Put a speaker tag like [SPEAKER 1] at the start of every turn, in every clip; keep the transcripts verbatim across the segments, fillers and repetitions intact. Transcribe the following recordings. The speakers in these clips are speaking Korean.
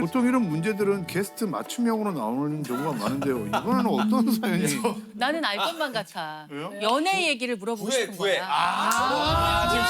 [SPEAKER 1] 보통 이런 문제들은 게스트 맞춤형으로 나오는 경우가 많은데요. 이번에는 어떤 사연이?
[SPEAKER 2] 나는 알 것만 같아.
[SPEAKER 1] 왜요?
[SPEAKER 2] 연애 얘기를 물어보고
[SPEAKER 3] 구애,
[SPEAKER 2] 싶은
[SPEAKER 3] 구애.
[SPEAKER 2] 거야.
[SPEAKER 4] 아, 지금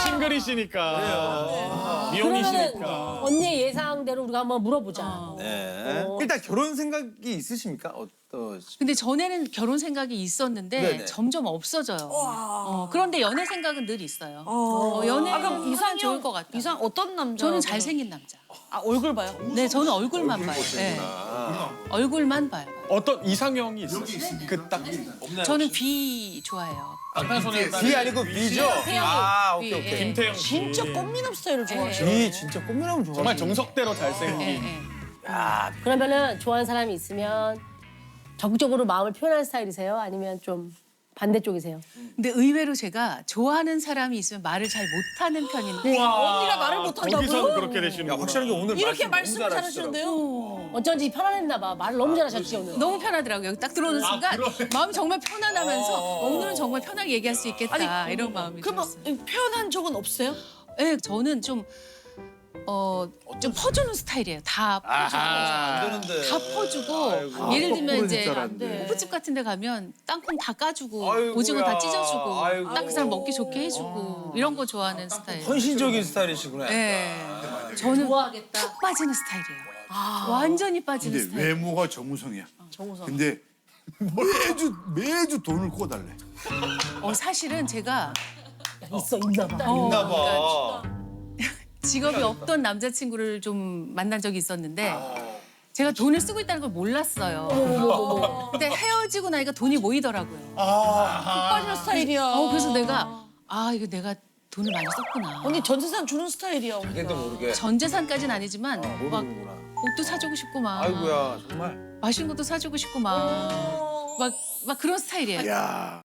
[SPEAKER 4] 싱글이시니까. 미혼이시니까.
[SPEAKER 5] 그러면은 언니의 예상대로 우리가 한번 물어보자.
[SPEAKER 2] 어.
[SPEAKER 3] 네.
[SPEAKER 5] 어.
[SPEAKER 3] 일단 결혼 생각이 있으십니까? 어떠시?
[SPEAKER 2] 근데 전에는 결혼 생각이 있었는데
[SPEAKER 3] 네네.
[SPEAKER 2] 점점 없어져요. 어, 그런데 연애 생각은 늘 있어요. 어, 연애
[SPEAKER 6] 아, 그럼
[SPEAKER 2] 이상
[SPEAKER 6] 이상형
[SPEAKER 2] 좋을 것 같아.
[SPEAKER 6] 이상 어떤 남자?
[SPEAKER 2] 저는 잘생긴 남자.
[SPEAKER 6] 아 얼굴 봐요?
[SPEAKER 2] 네, 저는 얼굴만 봐요. 네. 얼굴만 봐요.
[SPEAKER 4] 어떤 이상형이 있어요? 그 딱.
[SPEAKER 2] 저는 비 좋아해요.
[SPEAKER 3] 비 아니고 비죠?
[SPEAKER 2] 태양이.
[SPEAKER 3] 아,
[SPEAKER 2] 비,
[SPEAKER 3] 오케이, 오케이.
[SPEAKER 2] 예.
[SPEAKER 4] 김태형 씨.
[SPEAKER 6] 진짜 꽃미남 스타일을 좋아하시네.
[SPEAKER 3] 비 진짜 꽃미남 좋아.
[SPEAKER 4] 정말 정석대로
[SPEAKER 2] 예,
[SPEAKER 4] 잘생긴.
[SPEAKER 2] 예.
[SPEAKER 5] 그러면은 좋아하는 사람이 있으면 적극적으로 마음을 표현하는 스타일이세요? 아니면 좀 반대쪽이세요?
[SPEAKER 2] 근데 의외로 제가 좋아하는 사람이 있으면 말을 잘 못하는 편인데
[SPEAKER 6] 언니가 말을 못한다고요?
[SPEAKER 4] 거기서는 그렇게 되시는
[SPEAKER 3] 야,
[SPEAKER 4] 거예요.
[SPEAKER 3] 확실하게 오늘
[SPEAKER 6] 이렇게
[SPEAKER 3] 말씀
[SPEAKER 6] 말씀
[SPEAKER 3] 너무 잘하시더라고요.
[SPEAKER 6] 잘하시는데요?
[SPEAKER 5] 어쩐지 편안했나 봐. 말을 너무 잘하셨지 오늘.
[SPEAKER 2] 너무 편하더라고요. 여기 딱 들어오는 순간 마음이 정말 편안하면서 어, 오늘은 정말 편하게 얘기할 수 있겠다 이런 마음이
[SPEAKER 6] 그러면
[SPEAKER 2] 들었어요.
[SPEAKER 6] 표현한 적은 없어요?
[SPEAKER 2] 네, 저는 좀 어, 좀 퍼주는 스타일이에요. 다 퍼주고.
[SPEAKER 3] 안 되는데.
[SPEAKER 2] 다 퍼주고
[SPEAKER 3] 아이고.
[SPEAKER 2] 예를 들면
[SPEAKER 1] 거꾸로
[SPEAKER 2] 이제
[SPEAKER 1] 줄 알았는데.
[SPEAKER 2] 호프집 같은 데 가면 땅콩 다 까주고
[SPEAKER 3] 아이고야.
[SPEAKER 2] 오징어 다 찢어주고
[SPEAKER 3] 아이고.
[SPEAKER 2] 딱 그 사람 먹기 좋게 해주고 이런 거 좋아하는 스타일.
[SPEAKER 3] 헌신적인 스타일이시구나.
[SPEAKER 2] 네. 저는
[SPEAKER 5] 좋아하겠다.
[SPEAKER 2] 푹 빠지는 스타일이에요. 완전히 빠지는
[SPEAKER 1] 근데
[SPEAKER 2] 스타일.
[SPEAKER 1] 외모가 정우성이야.
[SPEAKER 5] 정우성.
[SPEAKER 1] 근데 매주 매주 돈을 꿔달래.
[SPEAKER 2] 어, 사실은 제가
[SPEAKER 5] 있어 있나 봐.
[SPEAKER 2] 어,
[SPEAKER 3] 있나
[SPEAKER 2] 그러니까
[SPEAKER 3] 봐.
[SPEAKER 2] 직업이 없던 남자친구를 좀 만난 적이 있었는데
[SPEAKER 3] 아.
[SPEAKER 2] 제가 돈을 쓰고 있다는 걸 몰랐어요. 근데 헤어지고 나니까 돈이 모이더라고요.
[SPEAKER 6] 빠지는 스타일이야.
[SPEAKER 2] 어, 그래서 내가 아 이거 내가 돈을 많이 썼구나.
[SPEAKER 6] 언니 전 재산 주는 스타일이야. 언니가.
[SPEAKER 3] 자기도 모르게.
[SPEAKER 2] 전 재산까지는 아니지만 막
[SPEAKER 3] 모르는구나.
[SPEAKER 2] 옷도 사주고 싶고 막
[SPEAKER 3] 아이고야, 정말.
[SPEAKER 2] 맛있는 것도 사주고 싶고 막 막 막 그런 스타일이에요.
[SPEAKER 1] 야.